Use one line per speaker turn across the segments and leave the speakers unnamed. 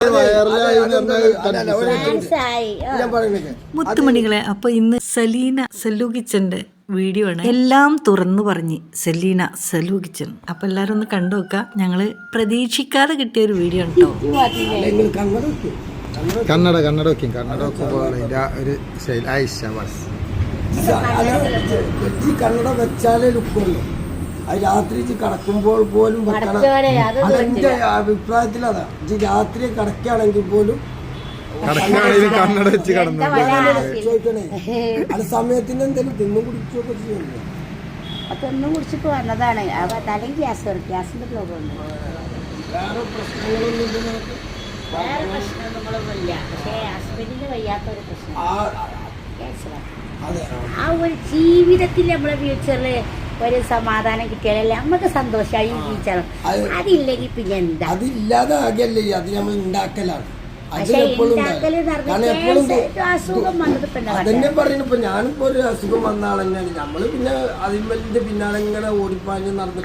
മുത്തുമണികളെ, അപ്പൊ ഇന്ന് സലീന സല്ലു കിച്ചന്റെ വീഡിയോ ആണ്. എല്ലാം തുറന്നു പറഞ്ഞ് സലീന സല്ലു കിച്ചൻ. അപ്പൊ എല്ലാരും ഒന്ന് കണ്ടു നോക്കാം. ഞങ്ങള് പ്രതീക്ഷിക്കാതെ കിട്ടിയ ഒരു വീഡിയോ ആണ് കേട്ടോ.
കന്നഡ ഒരു
കന്നഡ വെച്ചാലേ ലുക്കുള്ളൂ. അത് രാത്രി കടക്കുമ്പോൾ പോലും അതെന്റെ അഭിപ്രായത്തിൽ അതാ. രാത്രി കടക്കുകയാണെങ്കിൽ പോലും
കന്നഡ വെച്ച് കടന്നു
ചോദിക്കണേ. അത് സമയത്തിന് എന്തെങ്കിലും തിന്നും കുടിച്ചൊക്കെ ചെയ്യുന്നു.
അതൊന്നും കുടിച്ചിട്ട് വന്നതാണ്. തലയും ഗ്യാസിന്റെ പ്രോബ്ലം ഉണ്ട്.
വേറെ പ്രശ്നങ്ങളൊന്നും
വേറെ പ്രശ്നങ്ങളൊന്നുമില്ല. പക്ഷേ ഹസ്ബൻഡിന് വയ്യാത്തൊരു പ്രശ്നം, ആ ഒരു ജീവിതത്തിൽ നമ്മളെ ഫ്യൂച്ചറിൽ ഒരു സമാധാനം കിട്ടിയാലല്ലേ നമുക്ക് സന്തോഷമായി ജീവിച്ചാലും. അതില്ലെങ്കിൽ പിന്നെ എന്താ,
അതില്ലാതെ ആകല്ലേ അത് നമ്മൾ ഉണ്ടാക്കലാണ്. അതന്നെ പറയുന്നു. ഇപ്പൊ ഞാനിപ്പോ ഒരു അസുഖം വന്ന ആൾ തന്നെയാണ്. നമ്മള് പിന്നെ അതിന്റെ പിന്നാലെ ഇങ്ങനെ ഓടിപ്പാഞ്ഞ് നടന്നിട്ട്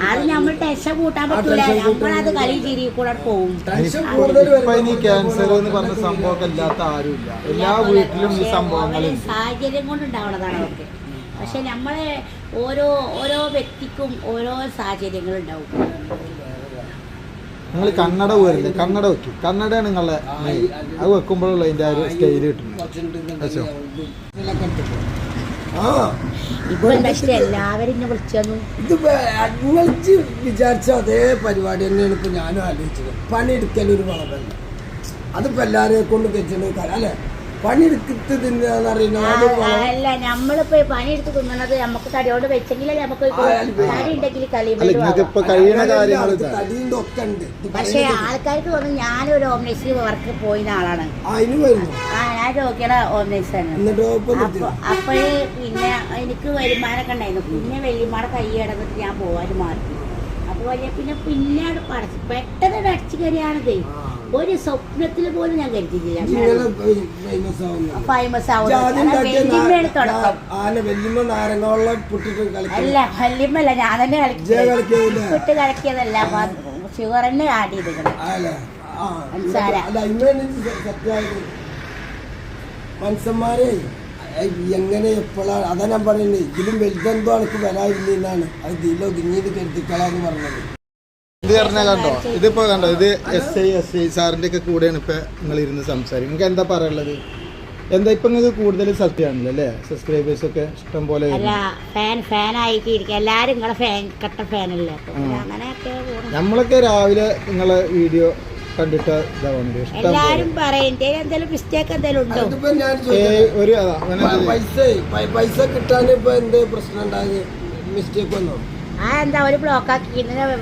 ക്യാൻസർ എന്ന് പറഞ്ഞ സംഭവമൊക്കെ ഇല്ലാത്ത ആരുമില്ല. എല്ലാ വീട്ടിലും ഈ സംഭവങ്ങളും
സാഹചര്യം കൊണ്ടുണ്ടാവുന്നതാണ് അവർക്ക്. പക്ഷെ നമ്മളെ ഓരോ വ്യക്തിക്കും ഓരോ സാഹചര്യങ്ങളുണ്ടാവും.
നിങ്ങൾ കന്നഡ പോരില്ലേ, കന്നഡ വെക്കും. കന്നഡയാണ് നിങ്ങളെ അത് വെക്കുമ്പോഴുള്ള അതിന്റെ ആ ഒരു സ്റ്റൈല് കിട്ടുന്നത്.
എല്ലാവരും
വിചാരിച്ച അതേ പരിപാടി തന്നെയാണ് ഇപ്പൊ ഞാനും ആലോചിച്ചത്. പണിയെടുക്കലൊരു വളമല്ല. അതിപ്പോ എല്ലാരെയും കൊണ്ട് കഴിച്ചിട്ട് അല്ലെ പണിയെടുത്ത്
അല്ല നമ്മളിപ്പോ പണിയെടുത്ത് തിന്നണത് നമുക്ക് തടിയോട് വെച്ചെങ്കിലേ നമുക്ക് തടി ഉണ്ടെങ്കിൽ പക്ഷെ ആൾക്കാർക്ക് തോന്നുന്നു ഞാനൊരു ഹോം നേഴ്സിൽ വർക്ക് പോയിന്ന ആളാണ്. ഞാൻ രോഗിയുടെ ഹോം നേഴ്സാണ്. അപ്പോഴേ പിന്നെ എനിക്ക് വരുമാനമൊക്കെ ഉണ്ടായിരുന്നു. പിന്നെ വല്യമ്മയുടെ കൈ കിടന്നിട്ട് ഞാൻ പോവാനും മാറി. അപ്പോൾ പിന്നെ പെട്ടെന്ന് അടിച്ചു കയറിയാണത്. ഒരു സ്വപ്നത്തിൽ പോലും ഞാൻ കരുതിയില്ല ഫേമസ് ആവുന്നത് തുടക്കം. അല്ല വല്യമ്മല്ല, ഞാൻ തന്നെ വിട്ട് കളിക്കിയതല്ല. ഷുഗർ തന്നെ ആഡ് ചെയ്തിരിക്കണം.
മനുഷ്യന്മാരെ എങ്ങനെ എപ്പോഴാണ് അതാ ഞാൻ പറയുന്നത്. ഇതിലും വലുതെന്തോ എനിക്ക് വരാതിരുന്നാണ് അത് ഇതിൽ ഒതുങ്ങിയത് കരുതിക്കളാന്ന് പറഞ്ഞത്.
ഇത് പറഞ്ഞാൽ കണ്ടോ, ഇതിപ്പോ കണ്ടോ, ഇത് SI സാറിന്റെ ഒക്കെ കൂടെയാണ് ഇപ്പൊ നിങ്ങൾ ഇരുന്ന് സംസാരിക്കും. നിങ്ങൾക്ക് എന്താ പറയാനുള്ളത്? എന്താ ഇപ്പൊ നിങ്ങൾക്ക് കൂടുതൽ സത്യമാണല്ലോ അല്ലേ, സബ്സ്ക്രൈബേഴ്സ് ഒക്കെ ഇഷ്ടം പോലെ. നമ്മളൊക്കെ രാവിലെ നിങ്ങളെ വീഡിയോ കണ്ടിട്ട്
പൈസ കിട്ടാൻ ഇപ്പൊ എന്ത് പ്രശ്നം ഉണ്ടായത്? മിസ്റ്റേക്ക് വന്നോ?
ഒരു ബ്ലോക്ക് ആക്കി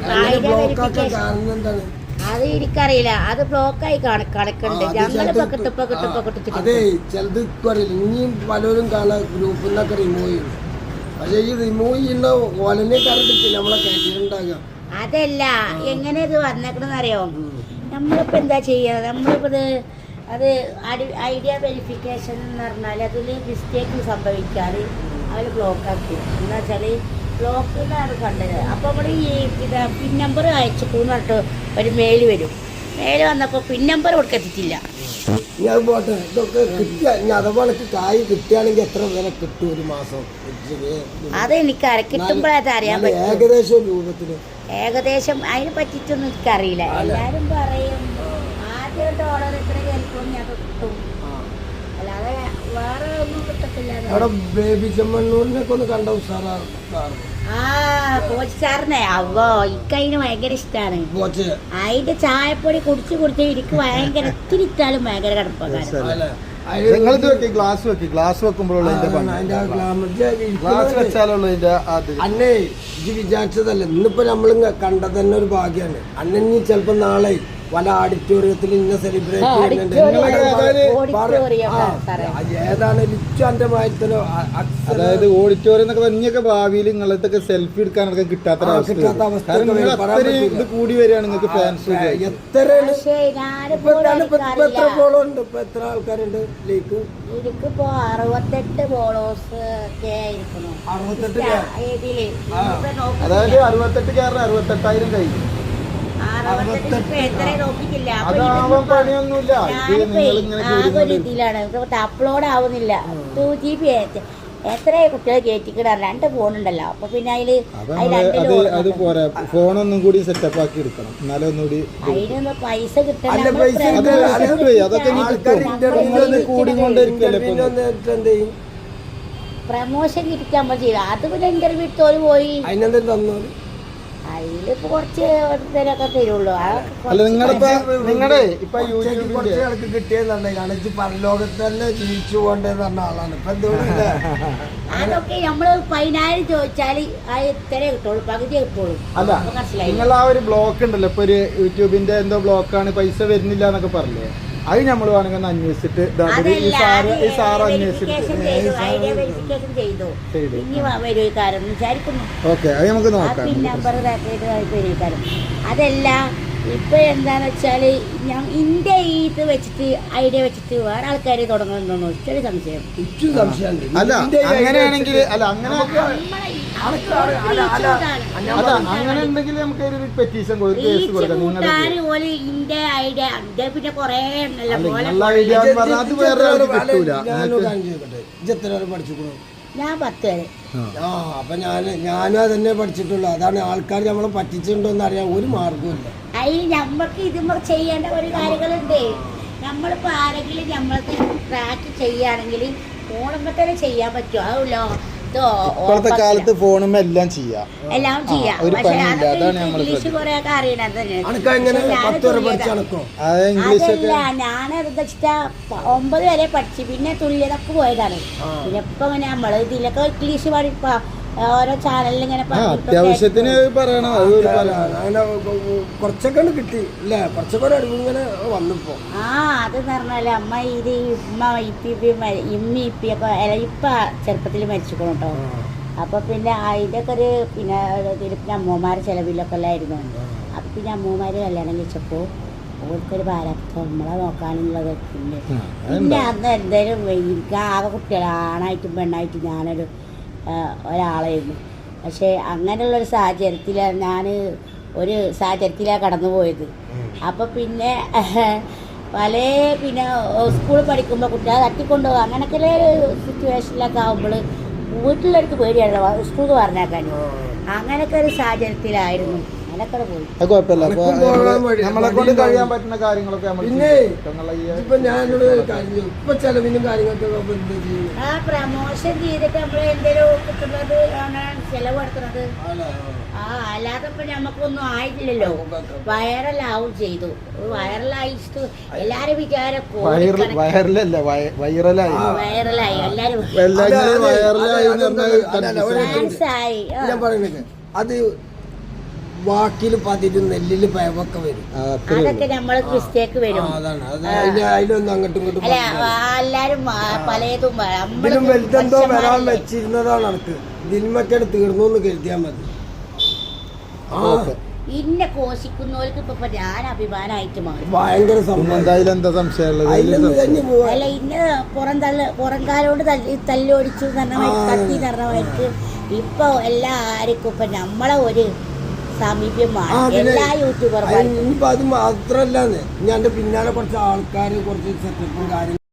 അത് എനിക്കറിയില്ല. അത് ബ്ലോക്കായി കണക്കുണ്ട്.
അതെ ചിലത് അറിയില്ല. ഇനിയും പലരും കാണാൻ ഗ്രൂപ്പിൽ നിന്നൊക്കെ റിമൂവ് ചെയ്യുന്നു. പക്ഷെ ഈ റിമൂവ് ചെയ്യുന്ന ഓലനെ കറണ്ടിട്ട് നമ്മളെ കയറ്റിട്ടുണ്ടാകാം.
അതല്ല എങ്ങനെ ഇത് വന്നേക്കണെന്ന് അറിയോ? നമ്മളിപ്പോ എന്താ ചെയ്യുന്നത്? നമ്മളിപ്പോ അത് ഐഡിയ വെരിഫിക്കേഷൻ എന്ന് പറഞ്ഞാൽ അതിൽ മിസ്റ്റേക്ക് സംഭവിക്കാറ് അവർ ബ്ലോക്കാക്കി. എന്താ വെച്ചാൽ ബ്ലോക്കിലാണ് കണ്ടത്. അപ്പോൾ നമ്മൾ ഈ പിൻ നമ്പർ അയച്ചു പറഞ്ഞിട്ട് ഒരു മെയിൽ വരും. മെയിൽ വന്നപ്പോൾ പിൻ നമ്പർ കൊടുക്കത്തില്ല.
ഞാൻ പോട്ടെ, ഇതൊക്കെ കിട്ടിയ അഥവാ കായ് കിട്ടുകയാണെങ്കിൽ എത്ര വില കിട്ടും ഒരു മാസം?
അതെനിക്കറിയാം, കിട്ടുമ്പോഴത് അറിയാൻ പറ്റും.
ഏകദേശം രൂപത്തിന്
ഏകദേശം അതിനെ പറ്റിയിട്ടൊന്നും എനിക്കറിയില്ല. എല്ലാവരും പറയും ആദ്യമായിട്ട് ഓർഡർ ഇത്ര കേൾക്കും ഞാൻ കിട്ടും, അല്ലാതെ വേറെ ഒന്നും കിട്ടത്തില്ല.
ബേബി ചെമ്മണ്ണൂരിനൊക്കെ ഒന്ന് കണ്ട ഉഷാറാണ്.
കോച്ച് സാറിനെ അവോ ഇക്കതിന് ഭയങ്കര ഇഷ്ടമാണ്. അതിന്റെ ചായപ്പൊടി കുടിച്ച് എനിക്ക് ഭയങ്കര ഇത്തിരി ഇട്ടാലും ഭയങ്കര കടുപ്പക്കാരൻ.
അന്നേ ഇത് വിചാരിച്ചതല്ല. ഇന്നിപ്പോ നമ്മൾ കണ്ടത് തന്നെ ഒരു ഭാഗ്യാണ്. അന്നീ ചിലപ്പോ നാളെ പല ഓഡിറ്റോറിയത്തിൽ ഇന്ന സെലിബ്രേറ്റ് ചെയ്യുന്നുണ്ട്. ഏതാണ് ലിച്ചാന്റെ മായത്തിനോ,
അതായത് ഓഡിറ്റോറിയം എന്നൊക്കെ പറഞ്ഞൊക്കെ ഭാവിയിൽ നിങ്ങളൊക്കെ സെൽഫി എടുക്കാനൊക്കെ കിട്ടാത്ത ഇത് കൂടി വരികയാണ് നിങ്ങൾക്ക് ഫാൻസ്.
എത്ര ഫോളോ ഉണ്ട്? ഇപ്പൊ എത്ര ആൾക്കാരുണ്ട്? ലീക്ക്
എനിക്കിപ്പോ 68 ഫോളോവേഴ്സ് ഒക്കെ ആയിരിക്കുന്നു.
68 അതായത് 68 68,000 കഴിഞ്ഞു.
68 ഇപ്പൊ എത്ര നോക്കിയിട്ടില്ല. അപ്പൊ
അതാവാൻ പണിയൊന്നുമില്ല. ഇത് നിങ്ങൾ ഇങ്ങനെ
ആകെ ഒരു ഇതിലാണ് അപ്ലോഡ് ആവുന്നില്ല. 2 GB എത്ര കുട്ടികൾ കയറ്റിക്കിടാൻ 2 ഫോണുണ്ടല്ലോ. അപ്പൊ പിന്നെ
അത് പോരാ, ഫോണൊന്നും കൂടി സെറ്റപ്പ് ആക്കി എടുക്കണം, എന്നാലും ഒന്നുകൂടി
അതിനൊന്ന് പൈസ കിട്ടണം.
അതൊക്കെ ഇനി കിട്ടും. കൂടിക്കൊണ്ടിരിക്കല്ലേ
പ്രമോഷൻ കിട്ടിക്കാൻ നമ്മൾ ചെയ്തു. അത് പിന്നെ ഇന്റർവ്യൂ എടുത്തോല് പോയി.
അതിനെന്തെങ്കിലും തന്നു
അതിലിപ്പോ കുറച്ച് പേരൊക്കെ തരുള്ളൂ.
അല്ല നിങ്ങളുടെ ഇപ്പൊ യൂട്യൂബിന്റെ
കുറച്ച് ആൾക്ക് കിട്ടിയതാണ്. കാണിച്ച് പരലോകത്ത് തന്നെ ജീവിച്ചു പോകേണ്ടത് പറഞ്ഞ ആളാണ് ഇപ്പൊ എന്തുകൊണ്ടില്ല.
അതൊക്കെ നമ്മള് 10,000 ചോദിച്ചാല് അത് ഇത്രേ കിട്ടുള്ളൂ, പകുതി കിട്ടുള്ളൂ.
അല്ല, നിങ്ങൾ ആ ഒരു ബ്ലോക്ക് ഉണ്ടല്ലോ, ഇപ്പൊ ഒരു യൂട്യൂബിന്റെ എന്തോ ബ്ലോക്കാണ്, പൈസ വരുന്നില്ല എന്നൊക്കെ പറഞ്ഞേ, അത് നമ്മൾ വേണമെങ്കിൽ ഒന്ന് അന്വേഷിച്ചിട്ട് ഈ സാറ് അന്വേഷിച്ചിട്ട് ഓക്കെ, അത് നമുക്ക് നോക്കാം.
അതല്ല ഇപ്പൊ എന്താന്ന് വെച്ചാല് ഇന്റെ ഇത് വെച്ചിട്ട് ഐഡിയ വെച്ചിട്ട് വേറെ ആൾക്കാർ തുടങ്ങുന്നുണ്ടോ ചെറിയ സംശയം.
അല്ല അങ്ങനെയാണെങ്കിൽ അങ്ങനെ ഉണ്ടെങ്കിൽ നമുക്ക് ഒരു പെറ്റീഷൻ കേസ് കൊടുക്കാം.
ഇന്റെ ഐഡിയ പിന്നെ കൊറേ
ഐഡിയ അത് വേറെ കിട്ടൂല.
ഞാൻ 10 വരെ.
അപ്പൊ ഞാനും അതന്നെ പഠിച്ചിട്ടുള്ളൂ. അതാണ് ആൾക്കാർ നമ്മളെ പറ്റിച്ചിട്ടുണ്ടോ എന്ന് അറിയാൻ ഒരു മാർഗമില്ല.
അതിൽ നമ്മൾക്ക് ഇതുമ്പോൾ ചെയ്യേണ്ട ഒരു കാര്യങ്ങളുണ്ട്. നമ്മളിപ്പോൾ ആരെങ്കിലും നമ്മൾക്ക് ട്രാക്ക് ചെയ്യുകയാണെങ്കിൽ ഫോണുമ്പോൾ തന്നെ ചെയ്യാൻ പറ്റുമോ? അതല്ലോ
ഇപ്പോഴത്തെ കാലത്ത് ഫോണുമ്പോ എല്ലാം ചെയ്യാം.
പക്ഷെ ഇംഗ്ലീഷ് കുറെ ഒക്കെ അറിയണത് ഞാനത് വെച്ചിട്ടാ 9 വരെ പഠിച്ചു. പിന്നെ തുല്യതൊക്കെ പോയതാണ്. പിന്നെ ഇപ്പൊ ഇങ്ങനെ നമ്മള് ഇതിലൊക്കെ ഇംഗ്ലീഷ് പഠിപ്പാ ഓരോ ചാനലിൽ ഇങ്ങനെ
അത്യാവശ്യത്തിന് പറയണം.
അങ്ങനെ കുറച്ചൊക്കെ കിട്ടി അല്ലേ, കുറച്ചൊക്കെ ഒരു അറിവ് ഇങ്ങനെ വന്നപ്പോ.
അത് പറഞ്ഞാല് അമ്മ ഇത് ഇമ്മി ഇപ്പിയൊക്കെ ഇപ്പ ചെറുപ്പത്തിൽ മരിച്ചിരിക്കണം കേട്ടോ. അപ്പൊ പിന്നെ അതിന്റെ ഒക്കെ ഒരു പിന്നെ അമ്മമാരെ ചെലവിലൊക്കെ അല്ലായിരുന്നു. അപ്പൊ പിന്നെ അമ്മമാര് കല്യാണം കഴിച്ചപ്പോ ഓർക്കൊരു ഭാരത്തം നമ്മളെ നോക്കാനുള്ളത്. പിന്നെ അന്ന് എന്തായാലും എനിക്ക് ആകെ കുട്ടികളാണായിട്ടും പെണ്ണായിട്ടും ഞാനൊരു ഒരാളായിരുന്നു. പക്ഷേ അങ്ങനെയുള്ളൊരു സാഹചര്യത്തിലാണ് കടന്നു പോയത്. അപ്പോൾ പിന്നെ പിന്നെ സ്കൂളിൽ പഠിക്കുമ്പോൾ കുട്ടികളെ തട്ടിക്കൊണ്ടുപോകുക അങ്ങനെയൊക്കെ സിറ്റുവേഷനിലൊക്കെ ആകുമ്പോൾ വീട്ടിലൊരു പേടിയാണ് സ്കൂളിൽ പറഞ്ഞേക്കാൻ. അങ്ങനെയൊക്കെ ഒരു സാഹചര്യത്തിലായിരുന്നു.
നമ്മളെ കൊണ്ട് കഴിയാൻ പറ്റുന്ന കാര്യങ്ങളൊക്കെ
പിന്നെ ഇപ്പൊ ഞാനോട് ഇപ്പൊ ചെലവിനും കാര്യങ്ങൾക്കൊക്കെ
പ്രമോഷൻ ചെയ്തിട്ട് നമ്മൾ എന്തെങ്കിലും കിട്ടുന്നത് ചെലവ് എടുക്കുന്നത്. അല്ലാതെ ഇപ്പൊ നമുക്കൊന്നും ആയിട്ടില്ലല്ലോ. വൈറലാവും ചെയ്തു. വൈറലായിട്ട് എല്ലാരും വിചാരം വൈറലായി എല്ലാരും
ഞാൻ പറയുന്നത് അത് വാക്കിൽ പതിരും നെല്ലില് പയവൊക്കെ വരും.
അതൊക്കെ നമ്മള് മിസ്റ്റേക്ക് വരും.
അതിലൊന്നും അങ്ങോട്ടും ഇങ്ങോട്ടും
എല്ലാരും പലതും
ഇതിലും വലുതെന്തോ വരാൻ വെച്ചിരുന്നതാണ് എനിക്ക്. ദിൽമക്കട് തീർന്നു എന്ന് കരുതിയാൽ മതി.
ഇന്നെ കോശിക്കുന്നവർക്ക് ഇപ്പൊ ഞാൻ അഭിമാനമായിട്ട് മാറി.
ഭയങ്കര
അല്ല ഇന്ന പുറംകാലോട് തല്ലോടിച്ചു തട്ടി നിറഞ്ഞവർക്ക് ഇപ്പൊ എല്ലാവർക്കും ഇപ്പൊ നമ്മളെ ഒരു സമീപ്യമാണ് എല്ലാ യൂട്യൂബർമാർക്കും.
ഇനിയിപ്പോ അത് മാത്രല്ലാന്ന് ഞാൻ പിന്നാലെ കുറച്ച് ആൾക്കാർ കുറച്ച് സെറ്റപ്പും കാര്യങ്ങളും